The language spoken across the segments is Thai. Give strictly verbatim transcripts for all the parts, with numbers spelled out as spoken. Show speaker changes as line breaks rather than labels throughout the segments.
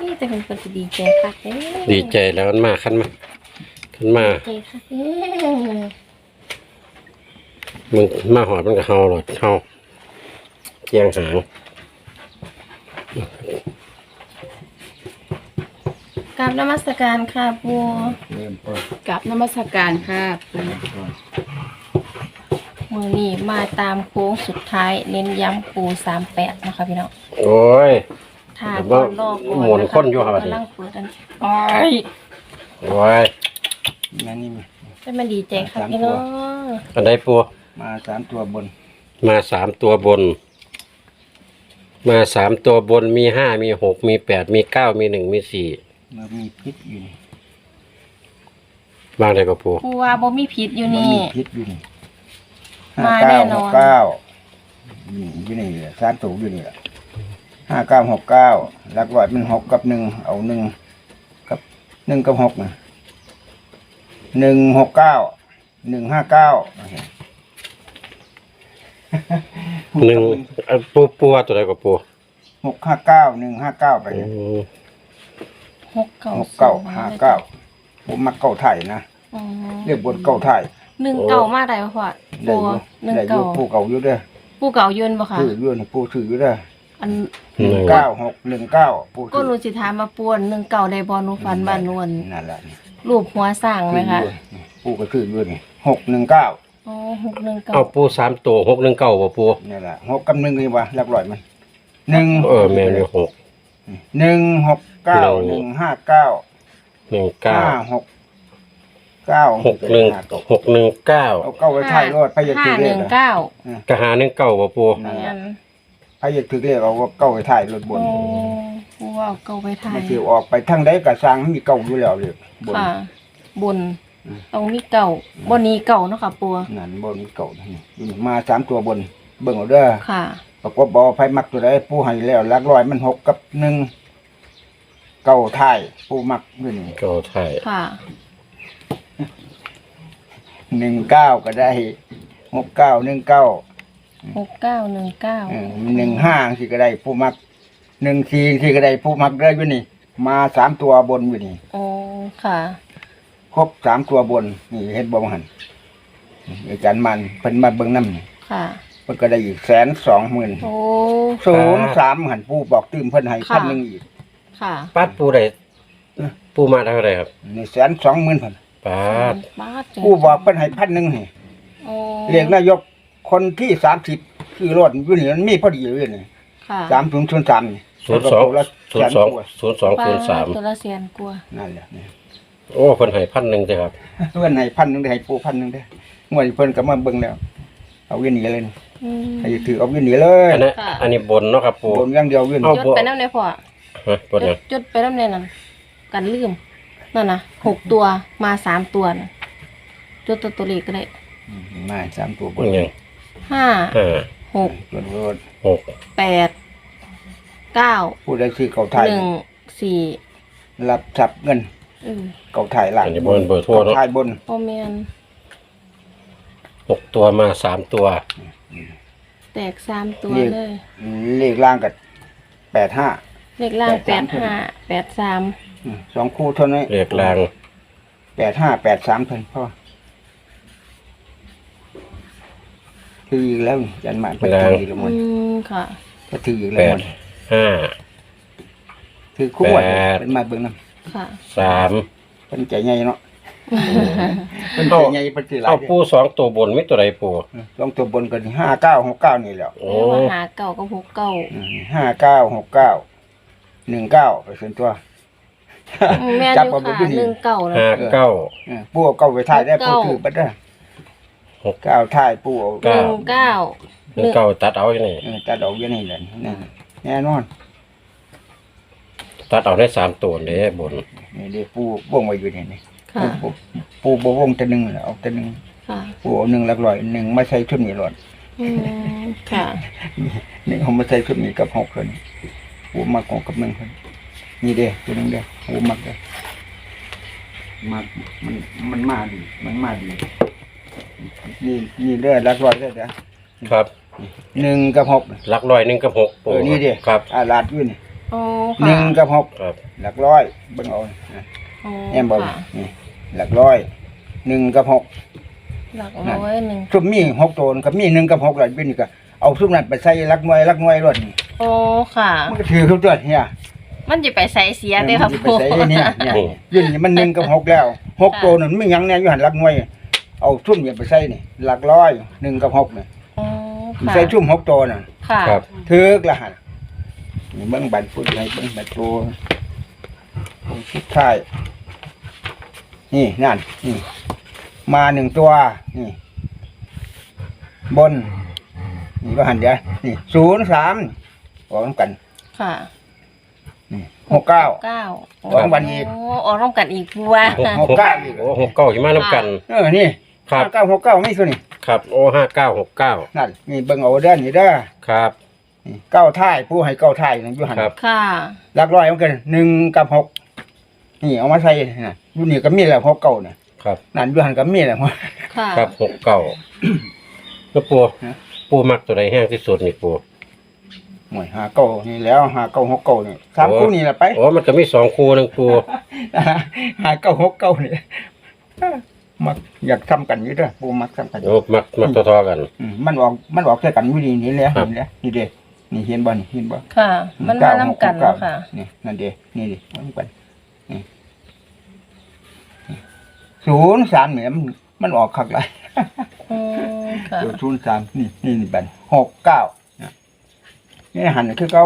นี่แต่คนก็ดีใจค่ะเอ้ย
ดีใจแล้วมันมาขั้นมาขั้นมา
ดีใจค่ะเอ้ย
มึงมาหอดมันก็เฮาหรอเฮาเกียงหาง
กราบนมัสการค่ะปู
เริ่มต้น
กับนมัสการค่ะ
มือนี้มาตามโค้งสุดท้ายเน้นย้ำปูสามแปดนะคะพี่น้อง
โอ้ย
ถ้าก่อนรอก่อน
หมุนคนอยู่ครับ
กำลังเปิดอันโอ้ย
โอ้ย
นั่นนี่มา
ได้มาดีใจค่ะพี่น้อง
อันใดปู
มาสามตัวบน
มาสามตัวบน มาสามตัวบนมีห้ามีหกมีแปดมีเก้ามีหนึ่งมีสี่
มามีพิษอยู่นี่
บางใดก็ปู
ปูว่าบ่มีผิดอยู่
มัน
นี่
มีพิษอยู่นี่
มา
ห้า
แน่
เก้าน
อน
หกเก้านี่อยู่นี่แหละสามตัวอยู่นี่แหละห้าเก้าหกเก้าหลักร้อยมันหกกับหนึ่งเอาหนึ่งกับหนึ่งกับหกนะหนึ่งหกเก้าหนึ่งห้าเก้า
หนึ่งอันปูปูว่าตัวใดก็ปู
หกห้าเก้าหนึ่งห้าเก้าไป
อื
เนี่ย
ม
หกเก้า
หกเก้าห้าเก้าผมมักเก้าไทยนะ
อืม
เรียกบนเก้าไทย
หนึ่งเก่ามาได้บ่พ่อ
ได้
ปู
อยู่
หนึ่ง
ได้อ
เก่า
ยู่ผู้เก่าอยู่เด้อ
ปูเก่ายืนบ่ค่ะ
ถืออยู่นี่ผู้ถืออยู่เด้อ
อัน
หนึ่ง
เก้าหกหนึ่งเก้าผู้
ก็
ถื
หนูสิถามมาป่วนหนึ่งเก่าได้บ่หนูฝันบ้านนวล
นั่นแหละนี่
รูปหัวสร้างไหมคะ
ถืออยู่ผู้ก็ถืออยู่นี่หกหนึ่งเก้า
อ๋อหกหนึ่งเก่า
เอาปูสามตัวหกหนึ่งเก้าบ่ปู
นี่แหละหกกับหนึ่งนี่วะหลักร้อยมันหนึ่ง
เออแม่นอยู่หก
หนึ่งหกเก้า
ห
ห
นึ่
นึ่
ง
งห้าเก้า
หนึ่งเก้า
ห้าหกเก้า
หกหนึ่งหกหนึ่งเก้า
เอาเก้าไว้ท้ายรถพยา
ห้า
ถือ
ห
เล
นึ่
ข
ง
อะ
เก้าก
ะหาหนึ่งเก้าบ่ปู
นั่นแห
งั้
ละ
น
พยาถือเลขเอาเก้าไว้ท้ายรถบน
โอ้ปูว่าเอาเก่าไปถ่าย
มันสิออกไปทางใดก็สร้างมีเก้าอยู่แล้วเลยบน
ค่ะบน
อืม
ตรงนี้เก่าบนนี้เก่าเนาะค่ะปู
นั่นบนมีเก้านี่มาสามตัวบนเบิ่งเอาเด้อ
ค่ะ
ประกบบ่ไผมักตัวใดผู้ให้แล้วหลักร้อยมันหกกับหนึ่งเก้าท้ายผู้มักอยู่นี่
เก้าไทย
ค่ะ
หนึ่งเก้าก็ได้หกเก้าหนึ่งเก้า
หกเก้าหนึ่งเก้า
หนึ่งห้าสิก็ได้ผู้มักหนึ่งสี่สิก็ได้ผู้มักได้อยู่นี่ มาสามตัวบนอยู่นี่
โอ้ค่ะ
ครบสามตัวบนนี่เฮ็ดบ่หันอาจารย์มันเพิ่นมาเบิ่งนำนี่
ค่ะ
เพิ่นก็ได้อีกแสนสองหมื่น
โอ้
ศูนย์สามหันผู้บอกตื้มเพิ่นให้
ค่ะ
พันหนึ่งอีก
ค่ะ
ปัดปูได้ปูมาเท่าไหร่ครับ
นี่แสนสองหมื่นพัน
ปัด
บาท
ผู้บอกเพิ่นให้พันหนึ่งให้
โอ้
เรียกนายกคนที่สามสิบคือรถอยู่นี่มันมีพอดีอยู่นี่
ค่ะ
สามศูนย์ศูนย์สามนี่
ศูนย์สองศูนย์สองศูนย์สองศูนย์สาม
ตัวละแสนกว่า
นั่นแหละนี่
โอ้คนให้พันหนึ่งใช่ครับ
เพื่อนให้พันหนึ่งได้ให้ปูพันหนึ่งได้งวดนี้เพิ่นก็มาเบิ่งแล้ว เอาเวียนหนีเลยนี่
อืม
ให้ถือเอาเวียนหนีเลย
อันนี้
ค่ะ
อันนี้บนเนาะครับปู
บนอย่างเดียวเวียน
เอา
จดไปน้ำในพอ
ฮะบน
จ
เนี่
ด
ย
จดไปน้ำในนั้นกันลืมนั่นนะหกตัวมาสามตัวนะจดตัวตัวเลขก็ได้
อืมมาสามตัวบ
มัน นยัง
ห้า
ห้า
หก
รถรถ
หก
แปดเก้า
ผู้ใดซื้อเก่าไทย
หนึ่งสี่
รับทรัพย์เงิน
อืม
เก่าไทยหลัง
อันนี้บนเบอร์โทรเนาะ
ไทยบน
โอเมน
หกตัวมาสามตัว
แตกสามตัวเลย
เลขล่างกับแปดห้า
เลขล่าง
แป
แป
ด
ด
สาม
ห้าแปดสาม
สองคู่เท่านั้น
เรียกลาง
แปดห้าแปดสามเพิ่นพ่อถืออีกแล้วนี่ยันมาเพิ่นถืออีกแล้วมั
อื
น
มค่ะ
ก็ถืออีก
แป
แล้ว
ด
มัน
ห้า
ถือคู่อ่ะ
แปด
เป็นมาเบิ่งนำ
ค่ะ
สาม
เป็นใจใหญ่เนาะเป็นใจ
เอา
ใหญ่เป็นสิหลา
เอา
ย
ปูสองตัวบนไม่ตัวใดปู
ลองตัวบนกันห้าเก้าหกเก้านี่แหละ
โอ้
เรียกว่าหาเก่ากับหกเก่า
ห้าเก้าหกเก้าหนึ่งเก้าไปส่วนตัว
อืมแม่น
จับ
อยู่
มาเป็น
ค่ะ
ที่นี่
หนึ่งเก่านะ
ห้าเก้า
เออปูเอาเก้าไปถ่ายได้
หก
ปู
เก้า
ถือไปได้
หก
เก้าถ่ายปูเอา
หนึ่งเก้า
หนึ่งเก้าตัดเอาอย่างนี้
เออตัดเอาอย่างนี้แหละนี่แน่นอน
ตัดเอาได้สามตัวเลยบน
นี่เดี๋ยวปูวงไว้อยู่นี่นี่
ค่ะ
ปูปูปูบ่วงแต่หนึ่งเอาแต่หนึ่ง
ค่ะ
ปูเอาหนึ่งหลักร้อยหนึ่งมาใส่ชุดนี้หลอด
อืมค่ะ
หนึ่งเอามาใส่ชุดนี้กับหกคนปูมักหกกับหนึ่งคนนี่เด้อตัวหนึงเด้อปูมักเด้อมักมันมันมาดีมันมาดีนี่นี่เด้อหลักร้อยเด้อเด้อ
ครับ
หนึ่งกับหก
หลักร้อยหนึ่งกับหก
เอ
ปู
อนี่เด้อ
ครับ
อาลาดอยู่นี่
โอ้
หนึ่ง
ค่ะ
กับหก
ครับ
หลักร้อยเบิ่งเอานะ
โอ้
แอมบอก
ค่ะ
นี่หลักร้อยหนึ่งกับหก
หลักร้อยหนึ่ง
ซุมมีหกตัวกับมีหนึ่งกับหกหลักเป็นนี่ก็เอาซุมนั้นไปใส่หลักหน่วยหลักหน่วยรถนี่
โอ้ค่ะ
มันก็ถือเขาตัวเนี่ย
มันจะไปใส่เสียเด้อครับ
มันสิไป
ปู
ใส่เนี่ยเนี่ยยื่นนี่มันหนึ่งกับหกแล้วหกตัวนั่นไม่ยังแน่อยู่หันหลักหน่วยเอาซุ่มเนี่ยไปใส่นี่หลักร้อยหนึ่งกับหกเนี่ย
โอ้ค่ะ
ใส่ซุ่มหกตัวน่ะ
ค่ะ
ครับ
ถือกละหันนี่เบิ่งบันพูดให้เบิ่งบันตัวสุดท้ายนี่นั่นนี่มาหนึ่งตัวนี่บนนี่ก็หันเดียวนี่ศูนย์สามออกกัน
ค่ะ
นี่หกเก้า
เก้า
ออกวันอีก
โอ้ออกร่วมกันอีกบัว
หก
หกเก้าอีก
โอ้หกเก้าอยู่มาน้ำกัน
เออนี่
ครับ
ห้าเก้าหกเก้าไม่ส่วนนี่
ครับโอ้ห้าเก้าหกเก้า
นั่นนี่เบิ่งเอาเด้อนี่เด้อ
ครับ
นี่เก้าท่ายผู้ให้เก้าท่ายนั่นอยู่หัน
ครับ
ค่ะ
หลักร้อยมันกันหนึ่งกับหกนี่เอามาใส่น่ะอยู่นี่ก็มีแล้วหกเก้าน่ะ
ครับ
นั่นอยู่หันก็มีแล้ว
ค่ะ
ครับหกเก้าแล้วปู
ฮะ
ปูมักตัวใดแห้งที่สุดนี่ปู
หมวยหาเก้านี่แล้วหาเก้าหกเก้านี่สาม
โอ้
คู่นี่แหละไป
โอ้มันก็มีสองคู่นึงปู
หาเก้าหกเก้านี่มักอยากทำกันอยู่เด้อปูมักทำกันอยู่
โอ้มักมักทอๆกัน
อืมมันออกมันออกแค่กันวิธีนี้แหล้ว
ครับ
เห็นแล้วนี่เด้นี่เห็นบ่นี่เห็นบ่
ค่ะ มันมานํกัน
เก้า
เนาะค่ะ
นี่นั่นเด้นี่ดิมันกันนี่ศูนย์สามเนี่ยมันมันออกคักหลาย
อืมค่ะ
ตัวศูนย์สามนี่นี่นี่บันหกเก้านี่หันคือเขา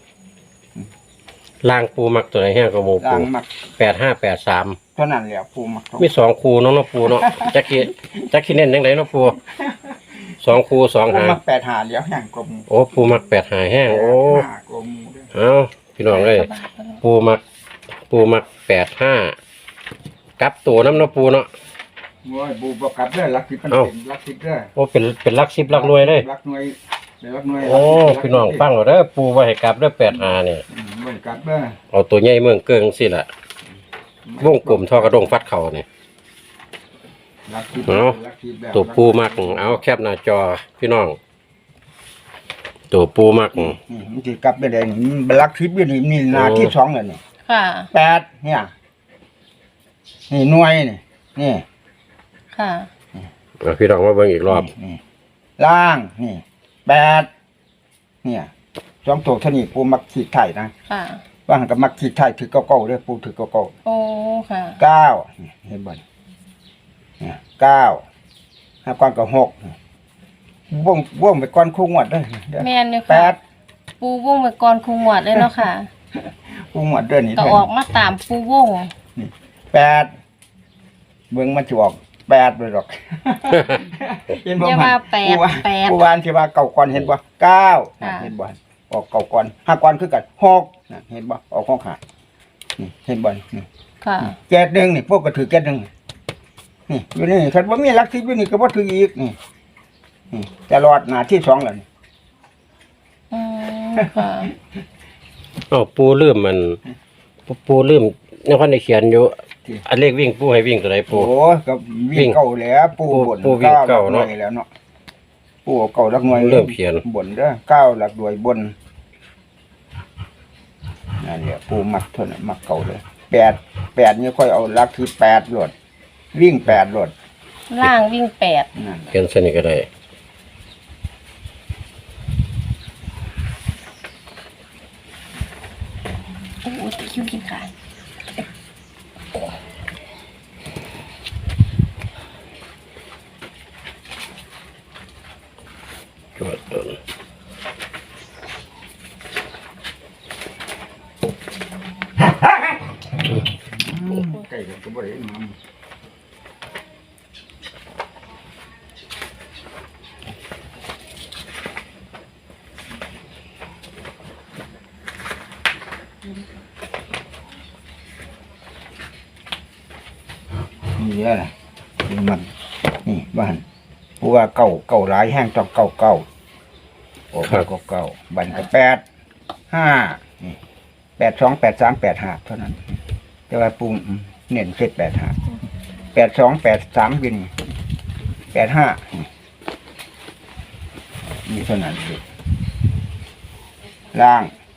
ล่างปูมักตัวใดแห้งก็โม
ล้า
ปู
งมัก
แปดห้าแปดสาม
เท่านั้นแหละปูมัก
มีสองคู่เนาะเนาะปูเนาะจักกี้จักกี้เน้นยังไงเนาะปูสองคู่สอง
ปู
หาง
มักแปดหาเดี๋ยวแห่งกลม
โอ้ปูมักแปดหาแห้งโอ้
ห้ากลมเด้อ
เอาพี่น้องเลยปูมัก ปูมักแปดห้ากับตัวน้ำเนาะปูเนาะ
โอ้ยปูประกับเด้อลักสิบเป็น
เอ้า
ลักสิบเด้อ
โอ้เป็นเป็นลักสิบลักหน่วยเลย
ลักหน่วยเป็นลักหน่วย
โอ้พี่น้องฟังเอาเด้อปูไว้ให้กลับเด้อแปดหาเนี่ย
อืมบ่ได้กลับเด้อ
เอาตัวใหญ่เมืองเกิงสิล่ะวงกลมทอกระดงฟัดเข่าเนี่ย
ลักสิบ
เอา
ลักสิบแบบ
ตัวปูมักเอาแคบหน้าจอพี่น้อง ตัวปูมัก
นี่มันสิกลับไปได้นี่มันลักสิบอยู่นี่นี่หนา
โอ้
ที่สองแล้วนี่
ค่ะ
แปดเนี่ยนี่หน่วยนี่นี่
ค่ะ
เอาพี่น้องมาเบิ่งอีกรอบ
นี่ล่างนี่แปดเนี่ยสองตัวเท่านี้ปูมักขีดไทยนะ
ค่ะ
ว่าหันกับมักขีดไทยถือเก้าเก้าเด้อปูถือเก้าเก้า
โอ้ค่ะ
เก้านี่เห็นบ่นี่เนี่ยเก้าห้าก้อนกับหกว่องว่องไปก้อนคู่งวดเด้อเด้อ
แม่นอยู่
แป
ค่ะ
ด
ปูวงไปก่อนครูหมวดเลยเนาะค่ะ
คู่งวดเด้อนี่
ก็
เด้
อ
อ
อกมาตามปูวง
แปดเบิ่งมันจะออกแปดเลยหรอก เห็นบ่
อย่า
มัน
ว่าแปด
ผู้ว่า
แปด
ผู้วานที่ว่าเก่าก่อนเห็นบ่เก้าน่ะ
ค่ะ
เห็นบ่ออกเก่าก่อนห้าก่อนคือกันหกน่ะเห็นบ่ออกหกหานี่เห็นบ่นี่
ค่ะ
แกดหนึ่งนี่พวกก็ถือแกดหนึ่งนี่อยู่นี่คันบ่มีหลักสิบอยู่นี่ก็บ่ถืออีกนี่นี่ตลอดหน้าที่สองแล้วนี่
อืมค่ะ
เอาปูลืมมัน ปูปูลืมในพันได้เขียนอยู่ อันเลขวิ่งปูให้วิ่งตัวไหนปู
โอ้ก็วิ่งเก่าแล้วปู
ปู
บน
ปูวิ่งเก่าเนาะ
หลัหวยแล้วเนาะปูเอาเก่าหลักหน่วย
เริ่มเขียน
บนเด้อเก้าหลักหน่วยบนนั่นแหละปูมักเท่านั้นมักเก่าเลยแปดแปดนี่ค่อยเอาหลักที่แปดโหลดวิ่งแปดโหลด
ล่างวิ่งแปด
นั่น
เขียนสนิทก็ได้
โอ้ยคิวกินขา
จวดโดน
ใกล้กันก็บ่ได้มา นี่แหละนี่มันนี่บ้านผู้ว่าเก่าเก่าหลายแห้งต้องเก่าเก่าโอ้เก่าเก่าบันก็แปดห้านี่แปดสองแปดสามแปดห้าเท่านั้น แต่ว่าปูอืมเน้นเจ็ดแปดห้าแปดสองแปดสามวินแปดห้านี่เท่านั้นเองล่าง